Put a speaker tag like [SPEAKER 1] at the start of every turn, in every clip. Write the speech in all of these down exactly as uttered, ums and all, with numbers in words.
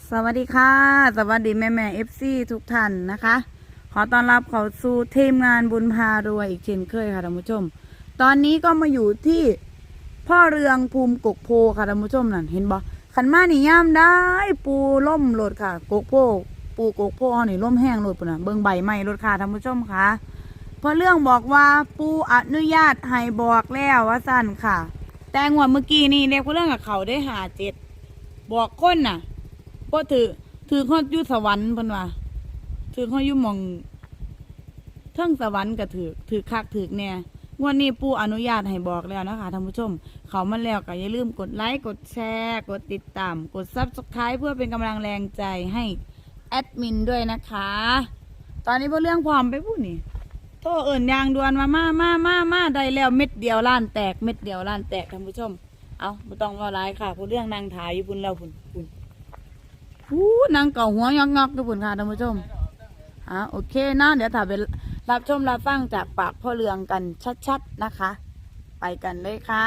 [SPEAKER 1] สวัสดีค่ะสวัสดีแม่แม่เอฟซีทุกท่านนะคะ ขอต้อนรับเข้าสู่ทีมงานบุญพารวยอีกเช่นเคยค่ะท่านผู้ชม ตอนนี้ก็มาอยู่ที่พ่อเรืองภูมิกกโพค่ะท่านผู้ชมนั่นเห็นบ่ขันมานี่ย่ามได้ปูล่มโหลดค่ะกกโพปูกกโพนี่ล่มแห้งโหลดปุ่นน่ะเบิ่งใบไม้โหลดค่ะท่านผู้ชมค่ะพ่อเรื่องบอกว่าปูอนุญาตให้บอกแล้วว่าสั่นค่ะ แต่งวดเมื่อกี้นี่เรียกพ่อเรื่องกับเขาได้หาเจ็ดบอกคนน่ะพอถือถือเขาอยู่สวรรค์เพิ่นว่าถือเขาอยู่หม่องเทิงสวรรค์ก็ถือถือคักถือแน่งวดนี้ปู่อนุญาตให้บอกแล้วนะคะท่านผู้ชมเขามาแล้วก็อย่าลืมกดไลค์กดแชร์กดติดตามกด ซับสไครบ์ เพื่อเป็นกำลังแรงใจให้แอดมินด้วยนะคะ ตอนนี้พวกเรื่องพร้อมไปพูดนี่โตเอิ่นยางดวนมามามามามาได้แล้วเม็ดเดียวล้านแตกเม็ดเดียวล้านแตกท่านผู้ชมเอาไม่ต้องว่าร้ายค่ะพวกเรื่องนางถ่ายอยู่พุ่นแล้วพุ่นพุ่นอู้นางเก่าหัวงอกงอกอยู่พุ่นค่ะท่านผู้ชมอ่ะโอเคนะเดี๋ยวถ่ายไปรับชมรับฟังจากปากพ่อเรืองกันชัดๆนะคะ ไปกันเลยค่ะ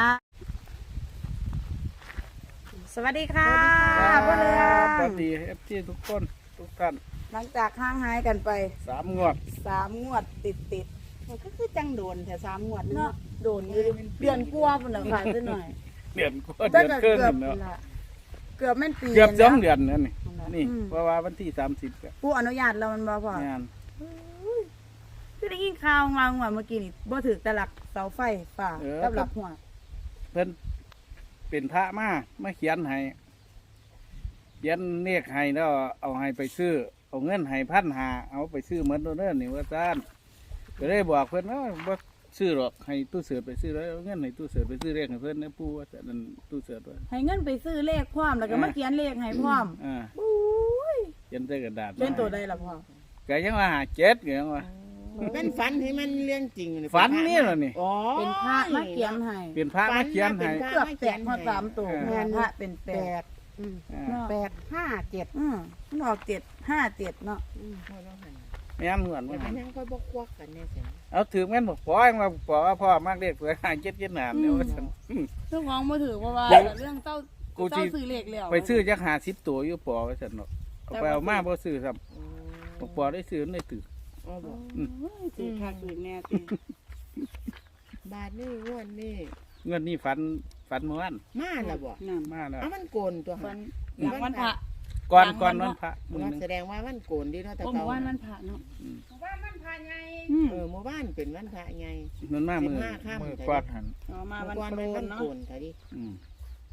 [SPEAKER 1] สวัสดีค่ะพ่อเรือง
[SPEAKER 2] สวัสดีเอฟซีทุกคนทุกท่าน
[SPEAKER 1] หลังจากห่างหายกันไป
[SPEAKER 2] สามงวด
[SPEAKER 1] สามงวดติดติด
[SPEAKER 3] มันก็คือจังโดนแต่สามงวด
[SPEAKER 1] ๆ
[SPEAKER 3] นึง
[SPEAKER 1] เนาะโดนอยู่ดิเดือนกลัวาพุ่นเหรอค่ะสักหน่อย
[SPEAKER 2] เดือนกว่าเดือนเกิน
[SPEAKER 1] เกือบ
[SPEAKER 2] เนาะ
[SPEAKER 1] ละเกือบแม่นปี
[SPEAKER 2] เกือบสอง
[SPEAKER 1] นะ
[SPEAKER 2] เดือนนั่นนี่นี่
[SPEAKER 1] อืม
[SPEAKER 2] เพราะว่าวันที่สามสิบกับ
[SPEAKER 1] ผู้อนุญาตเรามันบ่พอง
[SPEAKER 2] าน
[SPEAKER 1] คือได้ยินข่าวมาเมื่อกี้นี่บ่ถือแต่หลักเสาไฟฝ่ากับหลักหัว
[SPEAKER 2] เพิ่นเป็นพระมามาเขียนให้เขียนเลขให้แล้วเอาให้ไปซื้อเอาเงินให้พันหาเอาไปซื้อเหมือนตัวเนิ่นนี่ว่าซ่านก็เลยบอกเพิ่นว่าบ่ซื้อหรอกให้ตู้เสือไปซื้อแล้วเอาเงินให้ตู้เสือไปซื้อเลขให้เพิ่นนะปู่ว่าแต่นั่นตู้เสือด้วย
[SPEAKER 1] ให้เงินไปซื้อเลขพร้อมแล้วก็มาเขียนเลขให้พร้อม
[SPEAKER 2] อ่า
[SPEAKER 1] อุ้ย
[SPEAKER 2] เขียนใส่กระดาษ
[SPEAKER 1] เป็นตัวใดล่ะพ่อ
[SPEAKER 2] ก็ยังว่าหาเจ็ดก็ยังว่า
[SPEAKER 3] เป็นฝันให้มันเรื่องจริงเลย
[SPEAKER 2] ฝันนี่เหรอนี่
[SPEAKER 3] อ๋อ
[SPEAKER 1] เป็นพระมาเขียนให้
[SPEAKER 2] เป็นพระมาเขียนให้
[SPEAKER 1] เกือบแตกพอสามตัว
[SPEAKER 2] เออ
[SPEAKER 1] แม่นพระเป็นแป
[SPEAKER 3] แป
[SPEAKER 1] ด
[SPEAKER 3] ดอืม
[SPEAKER 2] อ่า
[SPEAKER 1] เนาะ
[SPEAKER 3] แปดห้าเจ็ด
[SPEAKER 1] อืมมันออกเจ็ดห้าเจ็ดเนาะ
[SPEAKER 3] อืมพอแล้วหัน
[SPEAKER 2] แม่นเหมือน
[SPEAKER 3] แต่
[SPEAKER 2] ว่า
[SPEAKER 3] มันยังค่อยบกควักกันแน่สิ
[SPEAKER 2] เอาถือแม่นบอกพ่อยังว่าพ่อว่าพ่อมากเรียกเผื่อหาเจ็ดเจ็ดหนามเนี่ยว่าฉันอืม
[SPEAKER 1] เรื่องของมือถือเพราะว่า
[SPEAKER 2] เดี๋ยว
[SPEAKER 1] เรื่องเจ้า
[SPEAKER 2] กูสิ
[SPEAKER 1] เจ้าซื้อเลขแล้ว
[SPEAKER 2] ไปซื้อจักหาสิบตัวอยู่ปอว่าฉันเนาะเอาไปเอามาบ่ซื้อซ้ำบอกปอได้ซื้อได้ถือ
[SPEAKER 3] อ๋อบอก
[SPEAKER 1] เฮ้ยถือคักถือแน่ติ
[SPEAKER 3] บาทนี่งวดนี่
[SPEAKER 2] เงินนี่ฝันฝันเมื่อวาน
[SPEAKER 3] มาแล้วบอก
[SPEAKER 1] นั่น
[SPEAKER 2] มาแล้ว
[SPEAKER 3] เอามันโกนตัว
[SPEAKER 1] วั
[SPEAKER 3] หั
[SPEAKER 1] น
[SPEAKER 3] น
[SPEAKER 1] หลังวันพระ
[SPEAKER 2] ก่อน
[SPEAKER 1] หลัง
[SPEAKER 2] ก่อน
[SPEAKER 1] วั
[SPEAKER 2] วัน น
[SPEAKER 1] พระ
[SPEAKER 2] พระมือหนึง
[SPEAKER 3] แสดงว่ามันโกนดีเนาะแต่
[SPEAKER 1] โอ้ห
[SPEAKER 3] เก่า
[SPEAKER 1] มู่บ้านวันพระเนาะ
[SPEAKER 2] อืม
[SPEAKER 1] อืม
[SPEAKER 3] เออหมู่บ้านเป็นวันพระไง
[SPEAKER 2] มันมามือ
[SPEAKER 3] สิบห้าค่ำ
[SPEAKER 2] มือฟาดหัน
[SPEAKER 1] เอามาวัน
[SPEAKER 3] ก่อน
[SPEAKER 1] โก
[SPEAKER 3] มัน
[SPEAKER 1] น
[SPEAKER 3] วัน
[SPEAKER 1] เนาะ
[SPEAKER 3] โกนแต่ดิ
[SPEAKER 2] อืม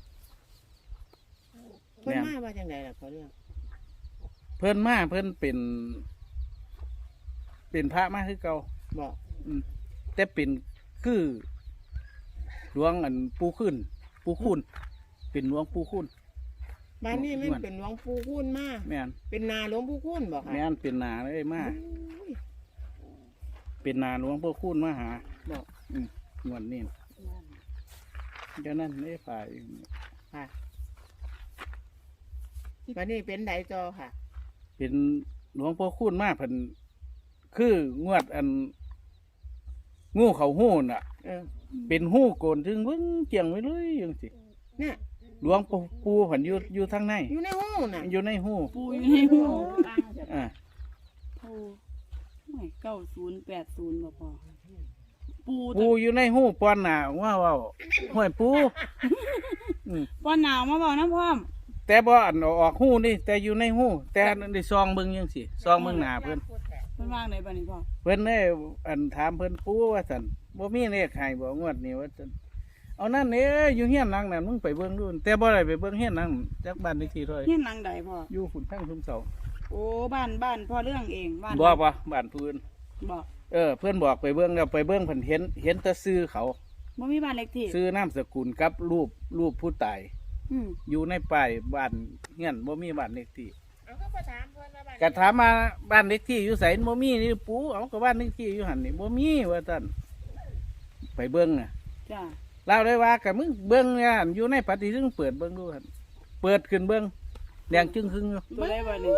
[SPEAKER 3] เพิ่นมาว่าจังไดล่ะเขาเรื่อง
[SPEAKER 2] เพิ่นมาเพิ่นเป็น เป็นพระมาคือเก่า
[SPEAKER 3] บอก
[SPEAKER 2] อืมแต่เป็นคือหลวงอันปูขึ้น ปูคุ้นเป็นหลวงปูคุ้น
[SPEAKER 3] บ้านนี้มันเป็นหลวงปู่คูณมา
[SPEAKER 2] แม่น
[SPEAKER 3] เป็นนาหลวงปู่คูณบอกค่ะ
[SPEAKER 2] แม่นเป็นนาเลยมา
[SPEAKER 3] อุ้ย
[SPEAKER 2] เป็นนาหลวงปูคุ้นมาหา
[SPEAKER 3] บอก
[SPEAKER 2] อืมงวดนี้เดี๋ยวนั้นได้ฝ่าย
[SPEAKER 3] ค่ะวันนี้เป็นไดจอค่ะ
[SPEAKER 2] เป็นหลวงปูคุ้นมาเพิ่นคืองวดอัน งูเขาหู้น่ะ
[SPEAKER 3] เออ
[SPEAKER 2] เป็นหู้โกนถึงเบิ่งเจียงไว้เลยจังสิ
[SPEAKER 3] เนี่ย
[SPEAKER 2] หลวงปูปูเพิ่นอยู่อยู่ทางใน
[SPEAKER 3] อยู่ในห้องน่ะ
[SPEAKER 2] อยู่ในหู้
[SPEAKER 1] ปูอยู่ในหัว
[SPEAKER 2] อ่า
[SPEAKER 1] ปูไม่เก้าศูนย์แปดศูนย์บ่พอปู
[SPEAKER 2] ปูอยู่ในหู้ปอนหน้าว่าเว้าห้วยปูอืม
[SPEAKER 1] ป้อนหนาวมาบอกน้ำพร้อม
[SPEAKER 2] แต่บ่อันเอาออกหู้นี่แต่อยู่ในหู้แต่ได้ซองเบิ่งจังซี่ซองเบิ่งหน้าเพิ่น
[SPEAKER 1] เพิ่นว่างไหนบ้านี้พ่อ
[SPEAKER 2] เพิ่นได้อันถามเพิ่นปูว่าซั่นบ่มีเลขให้บ่งวดนี้ว่าซั่นเอานั่นเด้อยู่เฮียนหลังนั้นมึงไปเบิ่งดูแต่บ่ได้ไปเบิ่งเฮียนหลังจักบ้านเลขที่เท่าไหร่
[SPEAKER 1] เฮียนหลังใดพ่อ
[SPEAKER 2] อยู่ฝุ่นทั้งชุมเสา
[SPEAKER 1] โอ้บ้านบ้านพ่อเรื่องเองบ้าน
[SPEAKER 2] บ่บ่บ้านพื้น
[SPEAKER 1] บอก
[SPEAKER 2] เออเพิ่นบอกไปเบิ่งแล้วไปเบิ่งเพิ่นเห็นเห็นแต่ชื่อเขา
[SPEAKER 1] บ่มีบ้านเล็กที่
[SPEAKER 2] ชื่อนามสกุลกับรูปรูปผู้ตาย
[SPEAKER 1] อืม
[SPEAKER 2] อยู่ในป้ายบ้านเฮียนบ่มีบ้านเลขที่
[SPEAKER 3] เอาก็ไปถามเพื่อนว่าบ้าน
[SPEAKER 2] ก็ถามมาบ้านเลขที่อยู่ไสบ่มีนี่ปูเอาก็บ้านเลขที่อยู่หั่นนี่บ่มีว่าซั่นไปเบิ่งน่ะ
[SPEAKER 1] จ้า
[SPEAKER 2] เล่าได้ว่ากับมึงเบิ้งเนี่ยอยู่ในปฏิทินเปิดเบิ้งดูครับเปิดขึ้นเบิ้งแดงจึงครึ่งอยู่
[SPEAKER 1] ตัวได้บ้านี้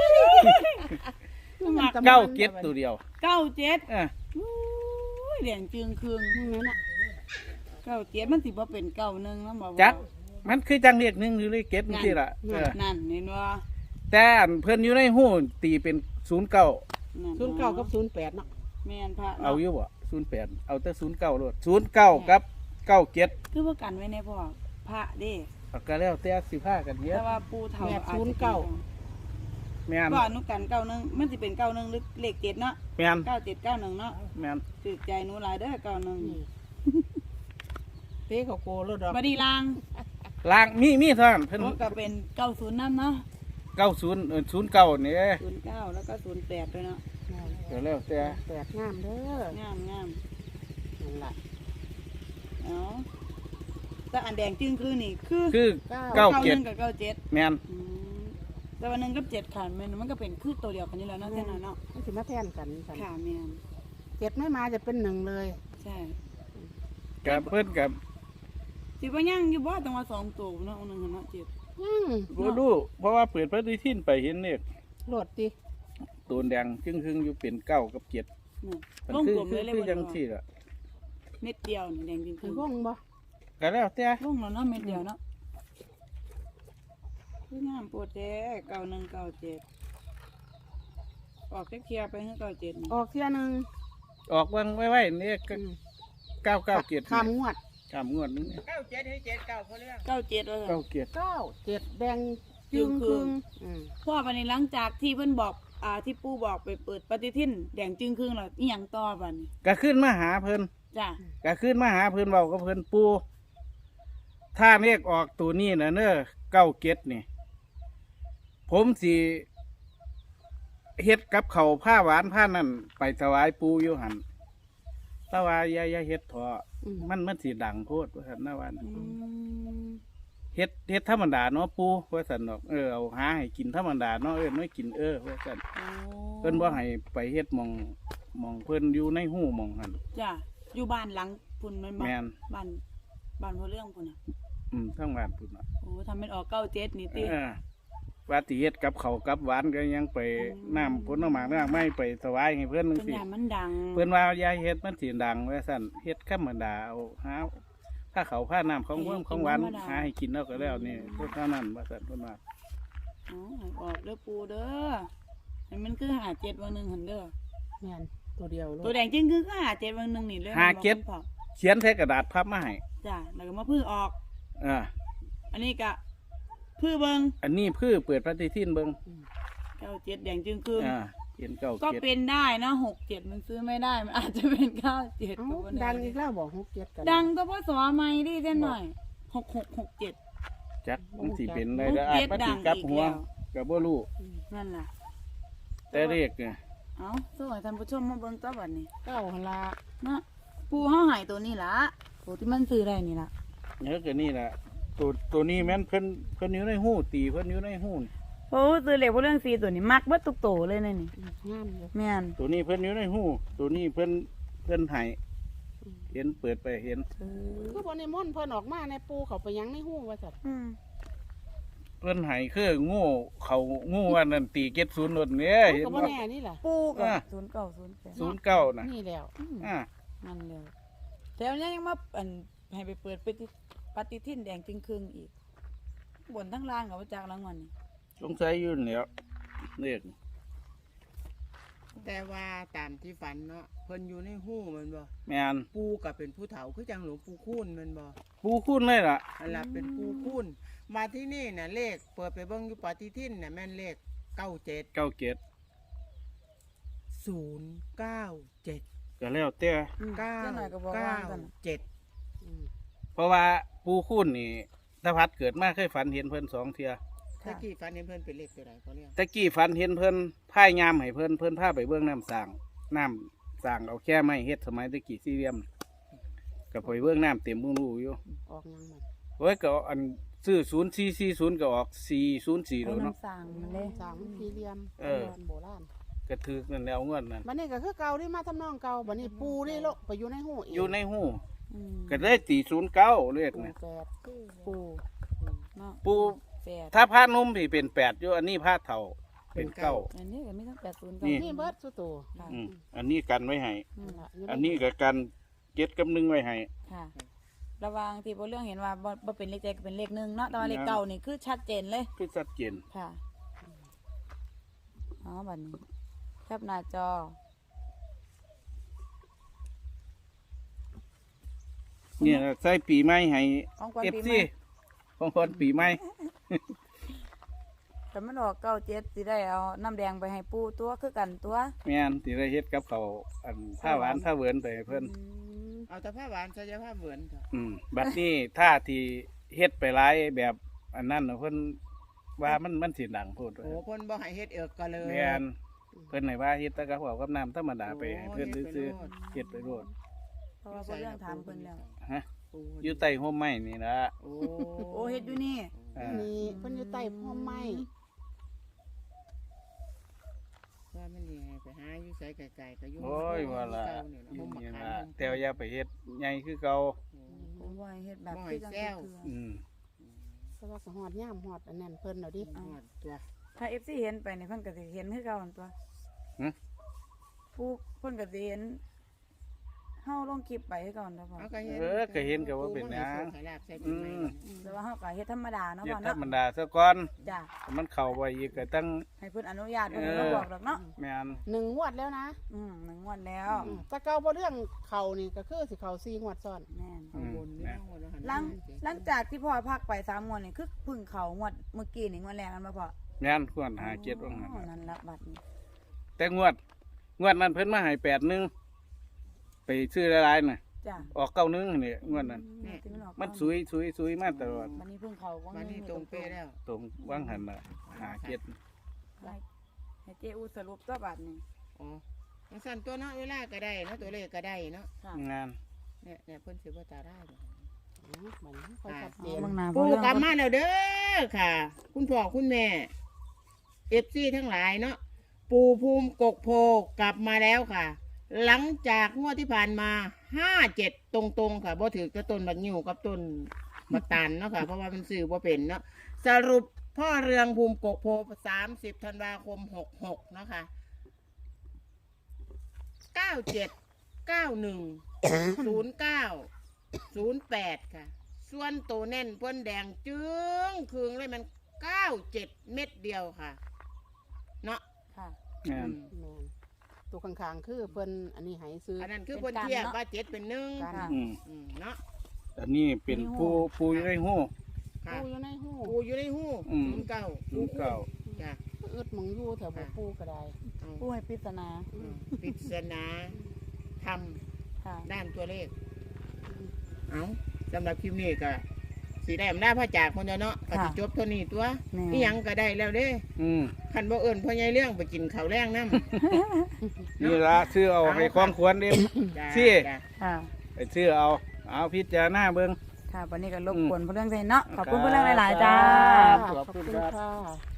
[SPEAKER 2] เก้าเก็ดตัวเดียว
[SPEAKER 1] เก้าเจ็ด
[SPEAKER 2] อ่ะ
[SPEAKER 1] อุ้ยแดงจึงคืองนั่นน่ะเก้าเจ็ดมันสิบ่เป็นเก้าหนึ่งนะบอกว่า
[SPEAKER 2] จักมันคือจังเรียกหนึ่งหรือเรียกเก็ดนี่สิล่ะเออ
[SPEAKER 1] นั่นเห็นว่า
[SPEAKER 2] แต่อันเพิ่นอยู่ในหู้ตีเป็นศูนย์เก้า
[SPEAKER 3] ศูนย์เก้ากับศูนย์แปดเนาะ
[SPEAKER 1] แม่นพระ
[SPEAKER 2] เอาอยู่บ่ศูนย์แปดเอาแต่ศูนย์เก้าโลดศูนย์เก้ากับเก้าเจ็ด
[SPEAKER 1] คือว่ากันไว้ในพ่อพระเด้
[SPEAKER 2] เอาก็แล้วแต่สิพากันเฮ็ด
[SPEAKER 1] แต่ว่าปูเฒ่า
[SPEAKER 3] แปด
[SPEAKER 1] อาจ
[SPEAKER 3] ศูน
[SPEAKER 1] จะ
[SPEAKER 3] ย์เก้า
[SPEAKER 2] แม่น
[SPEAKER 1] ก็อนุกันเก้าหนึ่งมันสิเป็นเก้าหนึ่งหรือเลขเจ็ดเนาะ
[SPEAKER 2] แม่น
[SPEAKER 1] เก้าเจ็ดเก้าหนึ่งเนาะ
[SPEAKER 2] แม่น
[SPEAKER 1] ถือใจหนูหลายเด้อเก้าหนึ่ง
[SPEAKER 3] เต้เขาโกรถดอก
[SPEAKER 1] บดีลาง
[SPEAKER 2] ล่างมีมีเท่านั้นเพิ่น
[SPEAKER 1] มันก็เป็นเก้าศูนย์น้ำเนาะ
[SPEAKER 2] เก้าศูนย์เออศูนย์เก้านี่
[SPEAKER 1] ศูนย์เก้าแล้วก็ศูนย์แปดด้วยเนาะ
[SPEAKER 2] ก็แล้วแต่
[SPEAKER 3] แปดงามเด้อง
[SPEAKER 1] ามงาม
[SPEAKER 3] นั่นล่ะ
[SPEAKER 1] เอาแต่อันแดงจึงคือนี่คือ
[SPEAKER 2] คือ
[SPEAKER 3] เก้า
[SPEAKER 2] เก้า
[SPEAKER 1] เก้าห
[SPEAKER 2] เจ็ด
[SPEAKER 1] นึ่งกับเก้าเจ็ด
[SPEAKER 2] แม่น
[SPEAKER 1] อืมแต่วันหนึ่งกับเจ็ดขาดมันมันก็เป็นคือตัวเดียวกันนี่แหล้วเนาะแค่นั้นเนาะ
[SPEAKER 3] มันสิมาแทนกันกัน
[SPEAKER 1] ขาแม่น
[SPEAKER 3] เจ็ดไม่มาจะเป็นหนึ่งเลย
[SPEAKER 1] ใช่
[SPEAKER 2] กับเพิ่นกับ
[SPEAKER 1] สิว่ายังอยู่บ่ต้องว่าสองตัวเนาะอันหนึ่งเนาะเจ็ด
[SPEAKER 3] อืม
[SPEAKER 2] บ่รู้เพราะว่าเปิดปฏิทินไปเห็นเลข
[SPEAKER 3] โหลดดิ
[SPEAKER 2] ตัวแดงจึงครึ่งอยู่เป็นเก้ากับเจ็ด
[SPEAKER 1] นี่
[SPEAKER 2] มัน
[SPEAKER 1] วง
[SPEAKER 2] คือก
[SPEAKER 1] ลม
[SPEAKER 2] คื
[SPEAKER 1] เล
[SPEAKER 2] อย
[SPEAKER 1] เลย
[SPEAKER 2] คือ
[SPEAKER 1] บ่
[SPEAKER 2] จัง
[SPEAKER 1] ได้
[SPEAKER 2] ซี่ล่ะ
[SPEAKER 1] เม็ดเดียวนี่แดงจริง
[SPEAKER 3] คือ
[SPEAKER 1] ๆ
[SPEAKER 3] วงบ่
[SPEAKER 2] ก็แล้วแต่
[SPEAKER 1] วงแล้วเนาะเม็ดเดียวเนาะคืองามปวดแท้เก้าหนึ่งเก้าเจ็ดออกเคลียร์ๆไปให้เก้าเจ็ดนี่
[SPEAKER 3] ออกเที่ยหนึ่ง
[SPEAKER 2] ออกวางไว้ไว้นี่ก็
[SPEAKER 3] อืม
[SPEAKER 2] เก้าเก้าเจ็ด
[SPEAKER 3] ข้ามงวด
[SPEAKER 2] ข้ามงวดนึง
[SPEAKER 3] เก้าเจ็ดให้เจ็ดเก้าเขาเรื่อง
[SPEAKER 1] เก้าเจ็ดแล้ว
[SPEAKER 2] เก้าเจ็ด
[SPEAKER 3] เก้าเจ็ดแดงจึงครึ่งอืม
[SPEAKER 1] พ่อวันนี้หลังจากที่เพิ่นบอกอ่าที่ปู่บอกไปเปิดปฏิทินแดงจึงครึ่งแล้วอีหยังต่อบัดนี้
[SPEAKER 2] ก็ขึ้นมาหาเพิ่น
[SPEAKER 1] จ้ะ
[SPEAKER 2] ก็ขึ้นมาหาเพิ่นเว้ากับเพิ่นปูถ้าเลขออกตัวนี้น่ะเน้อเก้าเจ็ดนี่ ผมสิเฮ็ดกับเขาวผ้าหวานผ้านั่นไปถวายปูอยู่หันแตะวาอย่าอย่าเฮ็ดเถอะ
[SPEAKER 3] อืม
[SPEAKER 2] มันมันสิดังโพดว่าซั่นนะวัน
[SPEAKER 1] อืม
[SPEAKER 2] เฮ็ดเฮ็ดธรรมดาเนาะปูว่าซั่นดอกเออเอาหาให้กินธรรมดาเนาะเออไม่กินเออว่าซั่น
[SPEAKER 1] โอ้
[SPEAKER 2] เพิ่นบ่ให้ไปเฮ็ดหมองหมองเพิ่นอยู่ในหูหมองหั่น
[SPEAKER 1] จ้ะอยู่บ้านหลังพุ่นแมันบ่
[SPEAKER 2] แม่น
[SPEAKER 1] บ้านบ้านพ่อเรื่องพุ่นน่ะ
[SPEAKER 2] อืมทั้งบ้านพุ่นน่ะ
[SPEAKER 1] โอ้ทำเป็นออกเก้าเจ็ดนี่ติ
[SPEAKER 2] เออว่าสิเฮ็ดกับเขาวกับหวานก็ยังไปน้ำผลไม้น้ำไม้ไปถวายให้เพิ่นจัง
[SPEAKER 1] เพิ่น
[SPEAKER 2] ซี่
[SPEAKER 1] ยานมันดัง
[SPEAKER 2] เพิ่นว่าอย่าเฮ็ดมันสิดังว่าซั่นเฮ็ดธรรมดาเอาหาผ้าเขาวผ้าน้ำของเพิ่มของหวานหาให้กินแล้วก็แล้วนี่พวกเท่านั้นว่าซั่นเพิ่นว่า
[SPEAKER 1] อ๋อให้ออกเด้อปู่เด้อให้มันคือหาเจ็ดวันหนึ่งหันเด้อ
[SPEAKER 3] แม่นตัวเดียวโล
[SPEAKER 1] ตัว
[SPEAKER 3] ด
[SPEAKER 1] แดงจริงคือก็หาเจ็ดวันหนึ่งนี่เลย
[SPEAKER 2] หาเก็บ
[SPEAKER 1] มันบอก
[SPEAKER 2] เขียนใส่กระดาษพับมาให้
[SPEAKER 1] จ้ะแล้วก็มาพื้อออก
[SPEAKER 2] เออ
[SPEAKER 1] อันนี้ก็พื้อเบิง
[SPEAKER 2] อันนี้เพื่อเปิดปฏิทินเบิ่ง
[SPEAKER 1] เก้าเจ็ดแดงจึงคือ
[SPEAKER 2] อ่าเขียนเก้า
[SPEAKER 1] ก็
[SPEAKER 2] เจ็ด
[SPEAKER 1] เป็นได้นะหกเจ็ดมันซื้อไม่ได้ มันอาจจะเป็นเก้าเจ็ด
[SPEAKER 3] เอ้า
[SPEAKER 1] ก็บ่ไ
[SPEAKER 3] ดังอีกแล้วบอกหกเจ็ดกัน
[SPEAKER 1] ดังก็เพราะสอไม่ดิเส้นหน่อยหกหกหกเจ็ด
[SPEAKER 2] จักมันสิเป็นได้
[SPEAKER 1] หก
[SPEAKER 2] เด้ออา
[SPEAKER 1] เจ็
[SPEAKER 2] จ
[SPEAKER 1] ด
[SPEAKER 2] มัน
[SPEAKER 1] ดั
[SPEAKER 2] สิ
[SPEAKER 1] ง
[SPEAKER 2] กลับ
[SPEAKER 1] อีก
[SPEAKER 2] หัว
[SPEAKER 1] แล้ว
[SPEAKER 2] ก็บ่รู้
[SPEAKER 1] นั่นล่ะ
[SPEAKER 2] แต่เลขเนี่ย
[SPEAKER 1] เอาสวัสดีท่านผู้ชมมาเบิ่งตัวบัดนี้
[SPEAKER 3] เก้าหันละ
[SPEAKER 1] เนาะปูเฮาใหายตัวนี้ล่ะตัวที่มันซื้อได้นี่ล่ะ
[SPEAKER 2] เนื้อก็นี่แหละตัวตัวนี้แม่นเพิ่นเพิ่นอยู่ในหูตีเพิ่นอยู่ในหูนี่
[SPEAKER 1] โอ้ซื้อเหล็กพวกเรื่องซีตัวนี้มักเบิดทุกโตเลยนะนี่
[SPEAKER 3] งามอยู่
[SPEAKER 1] แม่น
[SPEAKER 2] ตัวนี้เพิ่นอยู่ในหูตัวนี้เพิ่นเพิ่นให้เห็นเปิดไปเห็น
[SPEAKER 1] เออ
[SPEAKER 3] คือบนในม่อนต์เพิ่นออกมาในปูเขาไปยังในหูว่าสัตว์
[SPEAKER 1] อืม
[SPEAKER 2] เพิ่นให้คืองูเขางูว่านั่นตีเก็ดศูนย์นนเนี่ยเห็น
[SPEAKER 3] ก็
[SPEAKER 2] บ่
[SPEAKER 3] บ่แน่นี่ล่ะ
[SPEAKER 1] ปูกับ
[SPEAKER 2] อ่ะ
[SPEAKER 1] ศูนย์เก้าศูนย์แปด
[SPEAKER 2] ศูนย์เก้าน่ะ
[SPEAKER 3] นี่แล้ว
[SPEAKER 1] อืม
[SPEAKER 2] อ่า
[SPEAKER 1] นั่นเลยแต่วันนี้ยังมาอันให้ไปเปิดปฏิปฏิทินแดงจึงครึ่งอีกบนทั้งล่างกับว่าจากรางวัลนี่
[SPEAKER 2] สงสัยอยู่นี่แหล้วเลข
[SPEAKER 3] แต่ว่าตามที่ฝันเนาะเพิ่นอยู่ในหูแมันบ่
[SPEAKER 2] แม่น
[SPEAKER 3] ปูก็เป็นผู้เฒ่าคือจังหลวงปู่คูณแมันบ่
[SPEAKER 2] ปูคุ้นเลยล่ะ
[SPEAKER 3] อันละเป็นปูคูณมาที่นี่น่ะเลขเปิดไปเบิ่งอยู่ปฏิทินน่ะแม่นเลขเก้าเจ็ด
[SPEAKER 2] เก้าเจ็ด
[SPEAKER 3] ศูนย์เก้าเจ็ด
[SPEAKER 2] ก็แล้วแต่
[SPEAKER 3] เก้า
[SPEAKER 1] เจ้าหน่อยก็บอก
[SPEAKER 3] เก้า
[SPEAKER 1] ว่ากัน
[SPEAKER 3] เจ็ด
[SPEAKER 2] เพราะว่าปูคุ้นนี่ตาพัดเกิดมาเคยฝันเห็นเพิ่นสองเทื่อ
[SPEAKER 3] ถ้ากี่ฝันเห็นเพิ่นเป็นเลขตัวใดเขาเรียก
[SPEAKER 2] ตะกี้ฝันเห็นเพิ่นพายยามให้เพิ่นเพิ่นพาไปเบื้องน้ำสร้างน้ำสร้างเอาแค่ไม้เฮ็ดสมัยตะกี้สี่เหลี่ยมก็ไปเบื้องน้ำเต็มบุ้งรูอยู่
[SPEAKER 3] ออกยังมัน
[SPEAKER 2] โอ้ยก็อันซื้อศูนย์สี่สี่ศูนย์ก็ออกสี่ศูนย์สี่
[SPEAKER 1] เอา
[SPEAKER 2] แล้วเนาะ
[SPEAKER 1] น้ำสั่งมันเลย
[SPEAKER 3] สามสี่เหลี่ยม
[SPEAKER 2] เออ
[SPEAKER 3] โบราณ
[SPEAKER 2] กระถือนั่นแล้วเงินนั่น
[SPEAKER 3] บัดนี้ก็คือเก่าที่มาทำนองเก่าบัดนี้ปูนี่โลกไปอยู่ในหูอีก
[SPEAKER 2] อยู่ในหู
[SPEAKER 1] อืม
[SPEAKER 2] ก็ได้ตีศูนย์เก้าเรียก
[SPEAKER 3] ปู
[SPEAKER 2] นะ
[SPEAKER 3] แปด
[SPEAKER 1] ปูเนาะ
[SPEAKER 2] ปู
[SPEAKER 1] แปด
[SPEAKER 2] ถ้าผ้านุ่มที่เป็นแปดอยู่อันนี้ผ้าเท่าเป็นเก้า
[SPEAKER 1] อันนี้ก็ไม่ต้องแปดศูนย์
[SPEAKER 2] นี่
[SPEAKER 3] นี่เบิดสุดโต
[SPEAKER 1] ค่ะ
[SPEAKER 2] อืมอันนี้กันไว้ให้
[SPEAKER 1] อืม
[SPEAKER 3] นั่นล่ะยู่ใ
[SPEAKER 2] อันนี้ก็กันเจ็ดกับหนึ่งไว้ให้
[SPEAKER 1] ค่ะ ระหวังที่พวกเรื่องเห็นว่าบ่บ่เป็นเลขใจก็เป็นเลขหนึ่งเนาะแต่ว่าเลขเก้านี่คือชัดเจนเลย
[SPEAKER 2] คือชัดเจน
[SPEAKER 1] ค่ะบัดนี้แคปหน้าจอ
[SPEAKER 2] เนี่ยใส่ปีใหม่ให้
[SPEAKER 1] ของขวัญ
[SPEAKER 2] เอฟ
[SPEAKER 1] ปีให
[SPEAKER 2] ซี
[SPEAKER 1] ม่
[SPEAKER 2] ของคนปีใหม่
[SPEAKER 1] แต่มันออกเก้าเจ็ดสิได้เอาน้ำแดงไปให้ปู่ตัวคือกันตัว
[SPEAKER 2] แม่นสิได้เฮ็ดกับเขาวอันผ้าหวานผ้าเหวินไปให้เพิ่น
[SPEAKER 1] อืม
[SPEAKER 3] เอาแต่ผ้าหวานใส่ยาผ้าเหมือนเถอะ
[SPEAKER 2] อืมบัดนี้ท่าที่เฮ็ดไปหลายแบบอันนั้นน่ะเพิ่นว่ามันมันสิดังโพด
[SPEAKER 3] โอ้เพิ่นบ่ให้เฮ็ดเอิกก็เลย
[SPEAKER 2] แม่นเพิ่นให้ว่าเฮ็ดแต่กับข้าวกับน้ำธรรมดาไปให้เพิ่นซื้อๆเฮ็ดไปโลด
[SPEAKER 1] เพราะว่าเพิ่นเรื่องถามเพิ่นแล้ว
[SPEAKER 2] ฮะอยู่ใต้ร่มไม้นี่ล่ะ
[SPEAKER 3] โอ้
[SPEAKER 1] โอ้เฮ็ดอยู่นี่
[SPEAKER 2] อ่า
[SPEAKER 4] นี่เพิ่นอยู่ใต้พ่อไม้
[SPEAKER 3] ว่ามันสิให้ไปหาอยู่ไสไกลๆก็อยู่
[SPEAKER 2] โอ้ยว่าล่ะ
[SPEAKER 3] เก่านี่
[SPEAKER 2] อยู่
[SPEAKER 3] ล่ะ
[SPEAKER 2] นี่
[SPEAKER 3] ห่ม
[SPEAKER 2] ล่ะ
[SPEAKER 3] มะขาม
[SPEAKER 2] แต่ว่าอย่าไปเฮ็ดใหญ่คือเก่า
[SPEAKER 1] ผมว่าให้เฮ็ดแบบ
[SPEAKER 3] บ่ให้
[SPEAKER 1] คือจัง
[SPEAKER 3] แซ
[SPEAKER 1] ซี่
[SPEAKER 3] ว
[SPEAKER 1] คือ
[SPEAKER 2] อืม
[SPEAKER 4] เพราะว่าก็ฮอดย่ามฮอดอันนั้นเพิ่นเอาดิ
[SPEAKER 3] หอดตัว
[SPEAKER 1] ถ้า เอฟ ซี เห็นไปนี่เพิ่นก็สิเห็นคือเก่าหั่นตัว
[SPEAKER 2] หึ
[SPEAKER 1] ผู้เพิ่นก็สิเห็นเฮาลงคลิปไปคือเก่าหั่นตัวพ่อ
[SPEAKER 3] เอาก็เห็น
[SPEAKER 2] เออก็เห็นก็ว่าเป็นหยัง
[SPEAKER 3] ปูมันให้โชคให้ลาบใส่ปีใหม่
[SPEAKER 2] อืม
[SPEAKER 1] อืมแต่ว่าเฮาก็เฮ็ดธรรมดาเนาะ
[SPEAKER 2] เฮ็ด
[SPEAKER 1] พ่อ
[SPEAKER 2] ธร
[SPEAKER 1] เนาะ
[SPEAKER 2] รมดาซะก่อน
[SPEAKER 1] จ้ะ
[SPEAKER 2] มันเข้าไปอีกก็ตั้ง
[SPEAKER 1] ให้เพิ่นอนุญาตเพิ่น
[SPEAKER 2] เออ
[SPEAKER 1] ก็บอกดอกเนาะ
[SPEAKER 2] แม่น
[SPEAKER 4] หนึ่งงวดแล้วนะ
[SPEAKER 1] อืมหนึ่งงวดแล้ว
[SPEAKER 4] อืมแต่เก่าบ่เรื่องเขานี่ก็คือสิเขาสี่งวดซ้อน
[SPEAKER 1] แม่น
[SPEAKER 3] ข้างบนนี่ข้างบนแล้วหัน
[SPEAKER 1] หลัง
[SPEAKER 3] มา
[SPEAKER 1] หลังจากที่พ่อพักไปสามงวดนี่คือเพึ่งเขางวดเมื่อกี้นี่งวดแรกกันมาพ่อ
[SPEAKER 2] แม่นควรหาเจ็ดว่างั้น
[SPEAKER 1] อ๋อนั่นละบัดนี้
[SPEAKER 2] แต่งวด งวดนั้นเพิ่นมาให้แปดหนึงไปซื้อหลายๆน่ะ
[SPEAKER 1] จ้ะ
[SPEAKER 2] ออกเก้าหนึงนี่งวดนั้น
[SPEAKER 1] อืที่ออก
[SPEAKER 2] มันสุยสุยสุยมาตลอด
[SPEAKER 1] บัดนี้เพึ่งเขาก็
[SPEAKER 3] วันนี้ตรงเป๊ะแล้ว
[SPEAKER 2] ตรงวางหันน่ะหาเจ็ด
[SPEAKER 1] ให้ให้เจอูสรุปตัวบัดนี้
[SPEAKER 3] อ๋อจังสั่นตัวเนาะเวลาก็ได้เนาะตัวเลขก็ได้เนาะ
[SPEAKER 1] ค่ะ
[SPEAKER 2] งาน
[SPEAKER 3] เนี่ยเนี่ยเพิ่นสิบ่ตาได้บ่
[SPEAKER 4] อ๋อมันค่อยชัดเจ
[SPEAKER 1] เอา
[SPEAKER 4] น
[SPEAKER 1] เบิ่งหน้า
[SPEAKER 3] ปู
[SPEAKER 1] เรื่อง
[SPEAKER 3] กลับมาแล้วเด้อค่ะ คุณพ่อคุณแม่เอฟซีทั้งหลายเนาะปูภูมิกกโพกลับมาแล้วค่ะ หลังจากงวดที่ผ่านมาห้าเจ็ดตรงๆค่ะบ่ถือกับต้นบักนิ้วกับต้นบักตาลเนาะค่ะ เพราะว่ามันสื่อบ่เป็นเนาะสรุปพ่อเรืองภูมิกกโพสามสิบธันวาคมหกหกเนาะค่ะเก้าเจ็ดเก้าหนึ่งศูนย์เก้าศูนย์แปดค่ะ ส่วนโตแน่นเพิ่นแดงจึ้งคืงเลยมันเก้าเจ็ดเม็ดเดียวค่ะ เนาะ
[SPEAKER 1] ค่ะ
[SPEAKER 2] งาน
[SPEAKER 3] อืม
[SPEAKER 4] แม่นตัวข้างๆคือเพิ่นอันนี้ให้ซื้อ
[SPEAKER 3] อันนั้นคือ
[SPEAKER 1] เป็
[SPEAKER 3] เพิ่
[SPEAKER 1] น
[SPEAKER 3] น
[SPEAKER 1] การ
[SPEAKER 3] เทียบ
[SPEAKER 1] เนาะ
[SPEAKER 3] ว่าเจ็ดเป็นหนึ่ง
[SPEAKER 4] การ
[SPEAKER 1] ค่ะ
[SPEAKER 2] อืม
[SPEAKER 3] อืมเนาะ
[SPEAKER 2] อันนี้เป็นผู้ผู้อยู่ในหู้
[SPEAKER 3] ค่ะ
[SPEAKER 4] ปูอยู่ในหู
[SPEAKER 3] ปูอยู่ในหู
[SPEAKER 2] อืม
[SPEAKER 3] ศูนย์เก้า
[SPEAKER 2] ศูนย์เก้า
[SPEAKER 3] จ้ะ
[SPEAKER 4] อึดหมองอยู่แถวบ่ปูก็ได้
[SPEAKER 3] เอา
[SPEAKER 1] ผู้ให้ปริศนา
[SPEAKER 3] อืมปริศนาท
[SPEAKER 1] ค่ะ
[SPEAKER 3] ำด้านตัวเลข เอาสำหรับคลิปนี้ก็สีได้อำนาจพระจากคนเดียวเนาะก็สิจบเท่านี้ตัว
[SPEAKER 1] แม่
[SPEAKER 3] นี่ยังก็ได้แล้วเด้
[SPEAKER 2] อืม
[SPEAKER 3] คันบ่เอิ้นพ่อใหญ่เรื่องไปกินข้าวแรงน้ำ
[SPEAKER 2] นี่ละซื้อเอาให้ความควรเด้
[SPEAKER 3] จ้ะ
[SPEAKER 2] สิ
[SPEAKER 3] จ้ะ
[SPEAKER 1] ค่ะ
[SPEAKER 2] ไปซื้อเอาเอาพิจารณาเบิ่ง
[SPEAKER 1] ค่ะวันนี้ก็รบกวนเพื่อนเรื่องใจเนาะขอบคุณเพื่อนเรื่องหลายๆจ้า
[SPEAKER 2] ขอบคุณครับ
[SPEAKER 4] ค่ะ